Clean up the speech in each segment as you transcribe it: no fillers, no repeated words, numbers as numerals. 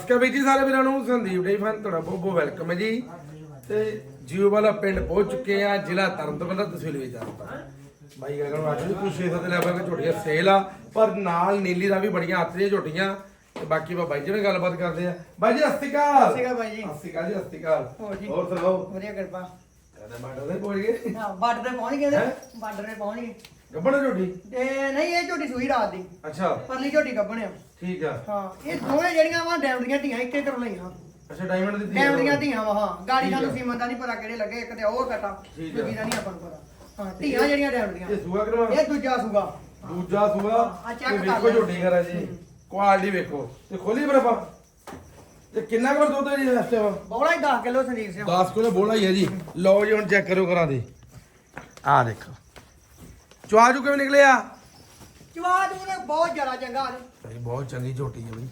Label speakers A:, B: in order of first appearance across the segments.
A: ਸਤਿ ਸ਼੍ਰੀ ਅਕਾਲ ਜੀ ਸਾਰੇ ਵੀਰਾਂ ਨੂੰ ਸੰਦੀਪ ਡੇਰੀ ਫਾਰਮ ਤੁਹਾਡਾ ਬਹੁਤ ਬਹੁਤ ਵੈਲਕਮ ਹੈ ਜੀ। ਤੇ ਜੀਓ ਵਾਲਾ ਪਿੰਡ ਪਹੁੰਚ ਚੁੱਕੇ ਆ, ਜ਼ਿਲ੍ਹਾ ਤਰਨਤਾਰਨ ਦਾ, ਤਹਿਸੀਲ ਵੇਚਾਰਤਾ। ਬਾਈ ਕਹਿੰਦਾ ਨੂੰ ਅੱਜ ਵੀ ਕੁਝ 6-7 ਲੈਵਲ ਦੇ ਝੋਟੀਆਂ ਸੇਲ ਆ, ਪਰ ਨਾਲ ਨੀਲੀ ਦਾ ਵੀ ਬੜੀਆਂ ਆਤਰੀਆਂ ਝੋਟੀਆਂ। ਤੇ ਬਾਕੀ ਬਾਈ ਜੀ ਨਾਲ ਗੱਲਬਾਤ ਕਰਦੇ ਆ। ਬਾਈ ਜੀ ਸਤਿ ਸ਼੍ਰੀ ਅਕਾਲ।
B: ਸਤਿ ਸ਼੍ਰੀ ਅਕਾਲ ਬਾਈ ਜੀ।
A: ਸਤਿ ਸ਼੍ਰੀ ਅਕਾਲ ਜੀ, ਸਤਿ ਸ਼੍ਰੀ ਅਕਾਲ।
B: ਹੋਰ
A: ਸੁਣਾਓ?
B: ਵਧੀਆ ਕਿਰਪਾ।
A: ਕਹਿੰਦਾ ਬਾਰਡਰ ਤੇ ਪਹੁੰਚ ਗਏ।
B: ਹਾਂ ਬਾਰਡਰ ਤੇ ਪਹੁੰਚ ਗਏ ਨੇ, ਬਾਰਡਰ ਤੇ ਪਹੁੰਚ ਗਏ।
A: ਗੱਬੜ ਝੋਟੀ?
B: ਤੇ ਨਹੀਂ ਇਹ ਝੋਟੀ ਸੂਈ ਰਾਤ ਦੀ,
A: ਅੱਛਾ
B: ਪਰਲੀ ਝੋਟੀ ਗੱਬਣ ਆ।
A: ਠੀਕ ਆ।
B: ਹਾਂ ਇਹ ਦੋਵੇਂ ਜਿਹੜੀਆਂ ਵਾ ਡੈਮਡੀਆਂ ਧੀਆਂ ਇੱਕੇ ਘਰੋਂ ਲਈਆਂ।
A: ਅੱਛਾ ਡਾਇਮੰਡ ਦੀ
B: ਡੈਮਡੀਆਂ ਧੀਆਂ ਵਾ। ਹਾਂ ਗਾੜੀ
A: ਠੀਕ ਆ।
B: ਸਾਨੂੰ ਸੀਮਨ ਦਾ ਨਹੀਂ ਪਤਾ ਕਿਹੜੇ ਲੱਗੇ, ਇੱਕ ਤੇ ਉਹ ਕਟਾ,
A: ਠੀਕ ਆ।
B: ਦੂਜੀ ਦਾ ਨਹੀਂ ਆਪਾਂ ਨੂੰ ਪਤਾ। ਹਾਂ ਧੀਆਂ ਜਿਹੜੀਆਂ ਡੈਮਡੀਆਂ।
A: ਇਹ ਸੂਆ ਕਰਵਾ?
B: ਇਹ ਦੂਜਾ ਸੂਗਾ।
A: ਦੂਜਾ ਸੂਆ।
B: ਆ
A: ਤੇ
B: ਚੈੱਕ ਕਰ
A: ਵੇਖੋ ਝੋਟੀ ਕਰਾ ਜੀ, ਕੁਆਲਿਟੀ ਵੇਖੋ। ਤੇ ਖੋਲੀ ਬਰਫਾ ਤੇ ਕਿੰਨਾ ਕੁ ਦੁੱਧ ਹੈ ਜੀ ਇਸ ਟਾਈਮ?
B: ਬੋਲਾ ਹੀ 10 ਕਿਲੋ ਸੰਦੀਪ ਸਿੰਘ।
A: 10 ਕਿਲੋ ਬੋਲਾ ਹੀ ਹੈ ਜੀ। ਲਓ ਜੀ ਹੁਣ ਚੈੱਕ ਕਰੋ ਕਰਾ ਦੇ। ਆ ਦੇਖੋ ਚੁਆਜੂ ਕਿਵੇਂ ਨਿਕਲਿਆ?
B: ਜਵਾਜ ਉਹਨੇ ਬਹੁਤ ਜ਼ਿਆਦਾ ਚੰਗਾ ਨੇ।
A: ਭਾਈ ਬਹੁਤ ਚੰਗੀ ਝੋਟੀ ਹੈ ਬਈ।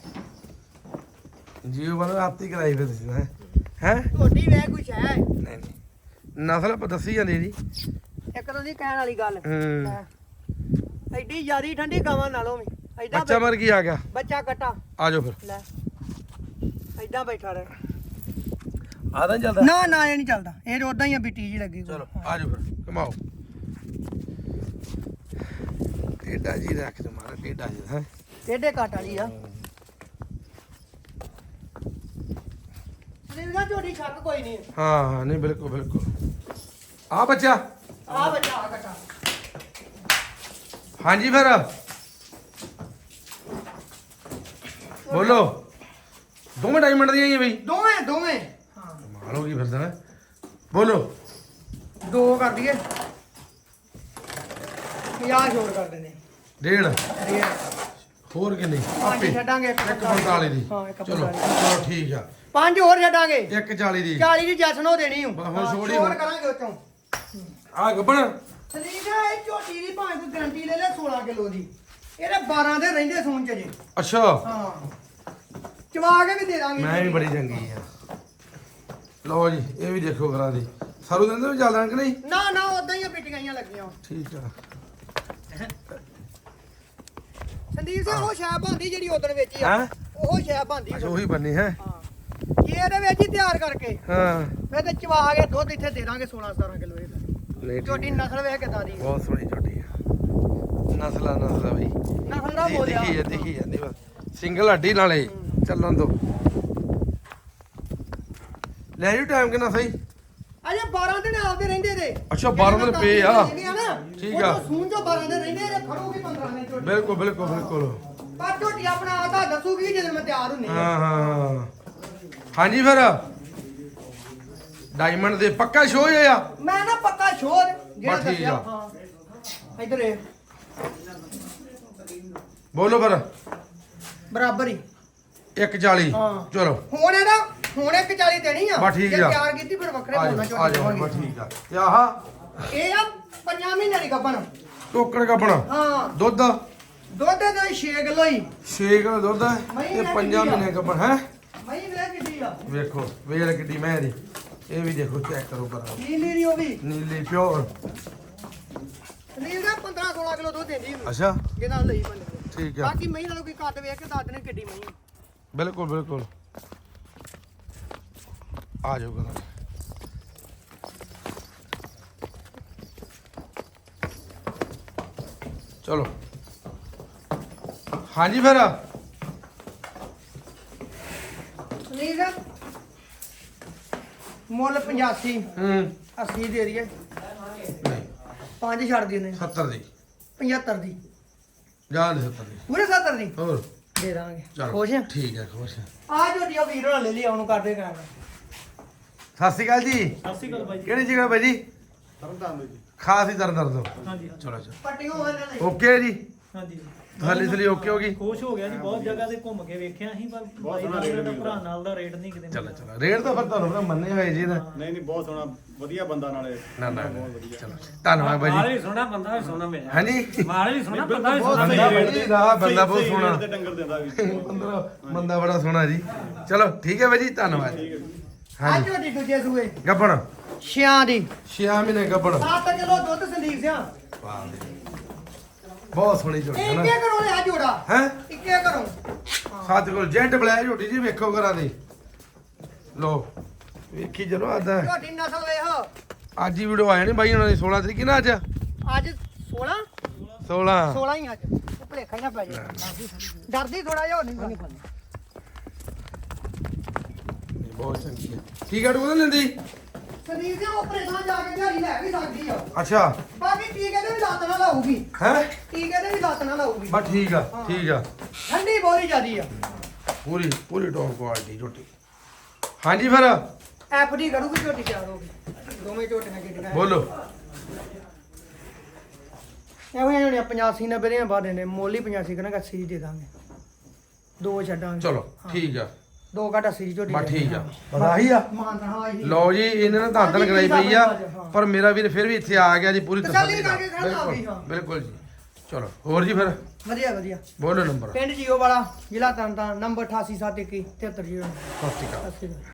A: ਜੀਓ ਵਾਲਾ ਆਪਤੀ ਕਰਾਈ ਫਿਰ ਤੁਸੀਂ ਹੈ ਹੈ
B: ਝੋਟੀ ਵੇ ਕੁਛ ਹੈ।
A: ਨਹੀਂ ਨਹੀਂ ਨਸਲ ਆਪਾਂ ਦੱਸੀ ਜਾਂਦੀ ਜੀ।
B: ਇੱਕ ਤਾਂ ਦੀ ਕਹਿਣ ਵਾਲੀ ਗੱਲ।
A: ਹੂੰ
B: ਐਡੀ ਜ਼ਿਆਦੀ ਠੰਡੀ ਗਾਵਾਂ ਨਾਲੋਂ ਵੀ ਐਡਾ
A: ਬੱਚਾ ਮਰ ਕੀ ਆ ਗਿਆ।
B: ਬੱਚਾ ਕਟਾ
A: ਆ ਜਾਓ ਫਿਰ।
B: ਲੈ ਐਦਾਂ ਬੈਠਾ ਰਹਿ।
A: ਆ ਤਾਂ ਚੱਲਦਾ।
B: ਨਾ ਨਾ ਇਹ ਨਹੀਂ ਚੱਲਦਾ, ਇਹ ਉਦਾਂ ਹੀ ਆ ਬਿੱਟੀ ਜੀ ਲੱਗੀ।
A: ਚਲੋ ਆ ਜਾਓ ਫਿਰ ਕਮਾਓ। ਟੇਡਾ ਜੀ ਰੱਖ ਤੇ ਮਾਰਾ ਟੇਡਾ ਜੀ ਹੈ।
B: ਟੇਡੇ ਘਾਟ ਵਾਲੀ ਆ। ਸਰੀਰ ਦਾ ਝੋਟੀ ਛੱਕ ਕੋਈ ਨਹੀਂ।
A: ਹਾਂ ਹਾਂ ਨਹੀਂ ਬਿਲਕੁਲ ਬਿਲਕੁਲ। ਆ ਬੱਚਾ
B: ਆ ਬੱਚਾ ਆ ਕਟਾ।
A: ਹਾਂਜੀ ਫਿਰ ਬੋਲੋ। ਦੋਵੇਂ ਡਾਇਮੰਡ ਦੀਆਂ ਹੀ ਆ ਬਈ?
B: ਦੋਵੇਂ ਦੋਵੇਂ। ਹਾਂ
A: ਕਮਾਲ ਹੋ ਗਈ ਫਿਰ ਤਾਂ। ਬੋਲੋ।
B: ਦੋ ਕਰ ਦਈਏ, 50 ਛੋੜ ਕਰ ਦਿੰਦੇ।
A: ਡੇਢ
B: ਡੇਢ
A: ਹੋਰ ਕਿੰਨੀ?
B: ਪੰਜ ਛੱਡਾਂਗੇ।
A: 145 ਦੀ।
B: ਹਾਂ, ਇੱਕ
A: ਚਲੋ
B: 45
A: ਚਲੋ ਠੀਕ ਆ।
B: ਪੰਜ ਹੋਰ ਛੱਡਾਂਗੇ।
A: 140 ਦੀ।
B: 40 ਦੀ ਜੈਸਨ ਹੋ ਦੇਣੀ ਹੂੰ।
A: ਬਸ ਹੁਣ ਛੋੜ ਹੀ
B: ਛੋੜ
A: ਹੁਣ।
B: ਕਰਾਂਗੇ ਉਤੋਂ।
A: ਆ ਗੱਬਣ
B: ਸਲੀਮ ਇਹ ਝੋਟੀ ਦੀ ਭਾਵੇਂ ਕੋਈ ਗਰੰਟੀ ਲੈ ਲੈ 16 ਕਿਲੋ ਦੀ, ਇਹਦੇ 12 ਦੇ ਰਹਿੰਦੇ ਸੂਣ ਚ ਜੇ।
A: ਅੱਛਾ
B: ਹਾਂ ਚਵਾ ਕੇ ਵੀ ਦੇ ਦਾਂਗੇ।
A: ਮੈਂ ਵੀ ਬੜੀ ਚੰਗੀ ਆ। ਲਓ ਜੀ ਇਹ ਵੀ ਦੇਖੋ ਕਰਾ ਦੀ। ਸਾਰੂ ਦਿਨ ਦੇ ਵੀ ਚੱਲਦਾ ਕਿ ਨਹੀਂ?
B: ਨਾ ਨਾ ਉਦਾਂ ਹੀ ਆ ਪਿਟੀਆਂ ਲੱਗੀਆਂ।
A: ਠੀਕ ਆ।
B: ਸੰਦੀਪ ਸਿੰਘ ਉਹ ਸ਼ੈ ਬੰਦੀ ਜਿਹੜੀ ਉਦੋਂ ਵੇਚੀ ਆ,
A: ਹੈਂ?
B: ਉਹ ਸ਼ੈ ਬੰਦੀ।
A: ਅੱਛਾ ਉਹੀ ਬੰਨੀ ਹੈ।
B: ਹਾਂ ਜੇ ਇਹਦੇ ਵਿੱਚ ਹੀ ਤਿਆਰ ਕਰਕੇ
A: ਹਾਂ
B: ਫਿਰ ਤੇ ਚਵਾ ਕੇ ਦੁੱਧ ਇੱਥੇ ਦੇ ਦਾਂਗੇ 16-17 ਕਿਲੋ ਇਹਦਾ।
A: ਨਹੀਂ
B: ਝੋਟੀ
A: ਠੀਕ ਆ।
B: ਨਸਲ ਵੇਖ ਕਿਦਾਂ ਦੀ।
A: ਬਹੁਤ ਸੋਹਣੀ ਝੋਟੀ ਆ। ਨਸਲਾ ਬਈ
B: ਨਸਲ ਦਾ ਬੋਲਿਆ।
A: ਦਿਖੀ ਜਾਂਦੀ ਬਸ। ਸਿੰਗਲ ਹੱਡੀ ਨਾਲੇ ਚੱਲਣ ਦੋ। ਲੈ ਜੀ ਟਾਈਮ ਕਿੰਨਾ ਸਹੀ?
B: ਅਜੇ 12 ਦਿਨ ਆਪਦੇ ਰਹਿੰਦੇ ਦੇ।
A: ਅੱਛਾ 12 ਦਿਨ ਪਏ ਆ। ਠੀਕ ਆ।
B: ਸੂਣ ਚੋਂ 12 ਦਿਨ ਰਹਿੰਦੇ ਇਹਦੇ ਖੜੂਗੀ 15 ਦਿਨ ਝੋਟੀ।
A: ਬਿਲਕੁਲ ਬਿਲਕੁਲ ਬਿਲਕੁਲ।
B: ਪਰ ਝੋਟੀ ਆਪਣਾ ਆਦਾ ਦੱਸੂਗੀ ਜਦੋਂ ਮੈਂ ਤਿਆਰ ਹੁੰਨੀ
A: ਹਾਂ ਹਾਂ ਹਾਂਜੀ ਫਿਰ ਡਾਇਮੰਡ ਦੇ ਪੱਕਾ ਸ਼ੋਅ ਹੋਇਆ।
B: ਮੈਂ ਨਾ ਪੱਕਾ ਸ਼ੋਰ ਜਿਹੜਾ
A: ਬਸ ਠੀਕ
B: ਦੱਸਿਆ।
A: ਆ।
B: ਹਾਂ ਇਧਰ ਇਹ
A: ਬੋਲੋ ਫਿਰ।
B: ਬਰਾਬਰ ਹੀ
A: 140।
B: ਹਾਂ।
A: ਚਲੋ
B: ਹੁਣ ਇਹਦਾ ਹੁਣ 140 ਦੇਣੀ ਆ।
A: ਬਸ ਠੀਕ
B: ਜੇ
A: ਆ।
B: ਤਿਆਰ ਕੀਤੀ ਫਿਰ ਵੱਖਰੇ
A: ਆ
B: ਬੋਲਣਾ
A: ਜਾਓ ਆ
B: ਝੋਟੀ
A: ਜਾਓ ਬਸ
B: ਹੋਣਗੇ।
A: ਠੀਕ ਆ। ਤੇ ਆਹ
B: ਇਹ ਆ 5 ਮਹੀਨੇ ਦੀ ਗੱਭਣ।
A: ਟੋਕਣ ਕੱਪਣਾ
B: ਹਾਂ
A: ਦੁੱਧ
B: ਦੁੱਧ ਦਾ 6 ਕਿਲੋ ਹੀ।
A: 6 ਕਿਲੋ ਦੁੱਧ ਹੈ ਤੇ 5 ਮਹੀਨੇ ਕੱਪਣ ਹੈ।
B: ਮਈ ਵੇ ਕਿੱਡੀ ਆ।
A: ਵੇਖੋ ਵੇਲ ਕਿੱਡੀ ਮੈਂ ਦੀ। ਇਹ ਵੀ ਦੇਖੋ ਚੈੱਕ ਕਰੋ ਪਰ
B: ਨੀਲੀ ਦੀ ਉਹ ਵੀ
A: ਨੀਲੀ ਪਿਓਰ।
B: ਨੀਲ ਦਾ 15-16 ਕਿਲੋ ਦੁੱਧ ਦਿੰਦੀ ਹੁੰਦੀ
A: ਅੱਛਾ
B: ਜਿਹਨਾਂ ਲਈ ਬੰਦੇ।
A: ਠੀਕ ਆ।
B: ਬਾਕੀ ਮਈ ਨਾਲੋਂ ਕੋਈ ਕੱਦ ਵੇਖ ਕੇ ਦੱਸ ਦੇਣੇ ਕਿੱਡੀ ਮਈ ਆ।
A: ਬਿਲਕੁਲ ਬਿਲਕੁਲ। ਆ ਜਾਓ ਕਰਾਂ। ਚਲੋ ਹਾਂਜੀ ਫਿਰ
B: ਨੀਲ ਦਾ ਮੁੱਲ 85
A: ਹੂੰ
B: 80 ਦੇ ਦਈਏ।
A: ਨਹੀਂ
B: 5 ਛੱਡ ਦੀ ਉਹਨੇ।
A: 70 ਦੀ
B: 75 ਦੀ
A: ਜਾਨ 70 ਦੀ
B: ਪੂਰੇ 70 ਦੀ
A: ਹੋਰ
B: ਦੇ ਦਾਂਗੇ।
A: ਚਲੋ
B: ਖੁਸ਼ ਆ?
A: ਠੀਕ ਹੈ ਖੁਸ਼ ਹੈ।
B: ਆ ਝੋਟੀ ਆ ਵੀਰ ਹੋਣਾ ਲੈ ਲਈ ਉਹਨੂੰ ਕਰਦੇ ਕਰਾਂ।
A: ਸਤਿ ਸ਼੍ਰੀ ਅਕਾਲ ਜੀ।
C: ਸਤਿ ਸ਼੍ਰੀ ਅਕਾਲ ਬਾਈ ਜੀ।
A: ਕਿਹੜੀ ਜਗ੍ਹਾ ਭਾਈ ਜੀ?
C: ਤਰਨਤਾਰਨ ਜੀ।
A: ਖਾਸ ਹੀ ਦਰਦ ਦੋ।
C: ਹਾਂਜੀ
A: ਚਲੋ ਚਲੋ
B: ਪੱਟੀਆਂ ਹੋਣ ਨੇ।
A: ਓਕੇ ਜੀ।
C: ਹਾਂਜੀ
A: ਥੱਲੇ ਥੱਲੇ ਓਕੇ ਹੋ ਗਈ।
C: ਖੁਸ਼ ਹੋ ਗਿਆ ਜੀ, ਬਹੁਤ ਜਗ੍ਹਾ ਤੇ ਘੁੰਮ ਕੇ ਵੇਖਿਆ ਸੀ ਪਰ ਬਾਈ ਨਾਲ ਦਾ ਭਰਾ ਨਾਲ ਦਾ ਰੇਟ ਨਹੀਂ ਕਿਤੇ
A: ਚਲੋ
C: ਮਿਲਿਆ।
A: ਚਲੋ ਰੇਟ ਤਾਂ ਫਿਰ ਤੁਹਾਨੂੰ ਪਤਾ ਮੰਨੇ ਹੋਏ ਜੀ ਇਹਦਾ।
D: ਨਹੀਂ ਨਹੀਂ ਬਹੁਤ ਸੋਹਣਾ ਵਧੀਆ ਬੰਦਾ ਨਾਲੇ
A: ਨਾ ਨਾ ਨਾ, ਚਲੋ ਧੰਨਵਾਦ ਭਾਈ
E: ਮਾਲ
A: ਜੀ।
E: ਵੀ ਸੋਹਣਾ ਬੰਦਾ ਵੀ ਸੋਹਣਾ ਮਿਲਿਆ।
A: ਹਾਂਜੀ
E: ਮਾਲ ਵੀ ਸੋਹਣਾ ਬੰਦਾ ਵੀ
D: ਬਹੁਤ
E: ਸੋਹਣਾ
D: ਸਹੀ
E: ਮਿਲਿਆ।
A: ਬੰਦਾ
D: ਰੇਟ
A: ਭਾਈ ਦਾ ਬੰਦਾ ਬਹੁਤ
D: ਸਹੀ
A: ਸੋਹਣਾ।
D: ਰੇਟ ਤੇ ਡੰਗਰ ਦਿੰਦਾ ਵੀ
A: ਬੰਦਾ ਬੜਾ ਸੋਹਣਾ ਜੀ। ਚਲੋ ਠੀਕ ਹੈ ਭਾਈ ਜੀ ਧੰਨਵਾਦ।
B: ਆ
A: ਹਾਂਜੀ
B: ਝੋਟੀ ਦੂਜੇ ਸੂਏ ਛਿਆਂ ਦੀ
A: 6 ਮਹੀਨੇ ਗੱਬੜ
B: 7 ਕਿਲੋ ਦੁੱਧ ਸੰਦੀਪ ਸਿਆ।
A: ਬਹੁਤ ਸੋਹਣੀ ਝੋਟੀ ਹੈ ਨਾ
B: ਇੱਕੇ ਕਰੋ ਲਿਆ ਜੋੜਾ
A: ਹੈ
B: ਇੱਕੇ ਕਰੋ
A: ਸਾਡੇ ਕੋਲ ਜੈਂਟ ਬਲੈਕ ਝੋਟੀ ਜੀ ਵੇਖੋ ਘਰਾਂ ਦੀ ਲੋ ਵੇਖੀ ਚਲੋ ਆਦਾ
B: ਝੋਟੀ ਨਸਲ ਵੇਖ
A: ਅੱਜ ਹੀ ਵੀਡੀਓ ਆਇਆ ਨਹੀਂ ਬਾਈ ਉਹਨਾਂ ਦੀ 16 ਤਰੀਕ ਨਾ ਅੱਜ
B: ਅੱਜ 16
A: 16
B: 16 ਹੀ ਅੱਜ ਉਹ ਭਲੇਖਾ ਹੀ ਨਾ ਪੈ ਜਾ ਡਰਦੀ ਥੋੜਾ ਜਿਹਾ ਹੋਰ ਨਹੀਂ ਫੜਨੀ
A: ਬਹੁਤ ਚੰਗੀ ਹੈ ਠੀਕ ਹੈ ਟੂ ਲੈਂਦੀ
B: ਸਰੀਰ ਦੇ ਆਪਰੇਸ਼ਨ ਜਾ ਕੇ ਦਿਹਾੜੀ ਲੈ ਵੀ ਸਕਦੀ ਆ
A: ਅੱਛਾ
B: ਬਾਕੀ ਟੀਕੇ ਦੇ ਵੀ ਲੱਤ ਨਾਲ ਲਾਊਗੀ
A: ਹੈ
B: ਟੀਕੇ ਦੇ ਵੀ ਲੱਤ ਨਾਲ ਲਾਊਗੀ
A: ਬਸ ਠੀਕ ਆ ਠੀਕ ਆ
B: ਠੰਡੀ ਬਹੁਤ ਜ਼ਿਆਦੀ ਆ
A: ਪੂਰੀ ਪੂਰੀ ਟੌਪ ਕੁਆਲਿਟੀ ਝੋਟੀ ਹਾਂਜੀ ਫਿਰ
B: ਐਫਡੀ ਕਰੂਗੀ ਝੋਟੀ ਤਿਆਰ ਹੋਗੀ ਦੋਵੇਂ ਝੋਟੀਆਂ ਕਿੱਡੀਆਂ
A: ਬੋਲੋ
B: ਐਵੇਂ ਜਿਹੜੀਆਂ 85 90 ਦੀਆਂ ਬਾਅਦ ਨੇ ਮੋਲੀ 85 ਕਰਾਂਗਾ 80 ਦੇ ਦਾਂਗੇ ਦੋ ਛੱਡਾਂਗੇ
A: ਚਲੋ ਠੀਕ ਆ
B: ਦੋ ਘੱਟ 80 ਦੀ ਝੋਟੀ
A: ਬਸ ਠੀਕ ਆ ਪਤਾ ਹੀ ਆ
B: ਮਾਨਤਾ ਹਾਂ ਜੀ
A: ਲਓ ਜੀ ਇਹਨਾਂ ਨੇ ਧਾਂਦਲ ਕਰਾਈ ਪਈ ਆ ਪਰ ਮੇਰਾ ਵੀਰ ਫਿਰ ਵੀ ਇੱਥੇ ਆ ਗਿਆ ਜੀ ਪੂਰੀ
B: ਤਸੱਲੀ
A: ਤਸੱਲੀ ਨਾਲ
B: ਕਰਕੇ ਖੜਾ ਆ ਗਈ,
A: ਬਿਲਕੁਲ
B: ਹਾਂ।
A: ਬਿਲਕੁਲ ਜੀ ਚਲੋ ਹੋਰ ਜੀ ਫਿਰ
B: ਵਧੀਆ ਵਧੀਆ
A: ਬੋਲੋ ਨੰਬਰ
B: ਪਿੰਡ ਜੀਓ ਵਾਲਾ ਜ਼ਿਲ੍ਹਾ ਤਰਨਤਾਰਨ ਨੰਬਰ 8871 7309
A: ਸਤਿ ਸ਼੍ਰੀ ਅਕਾਲ
B: ਸਤਿ ਸ਼੍ਰੀ ਅਕਾਲ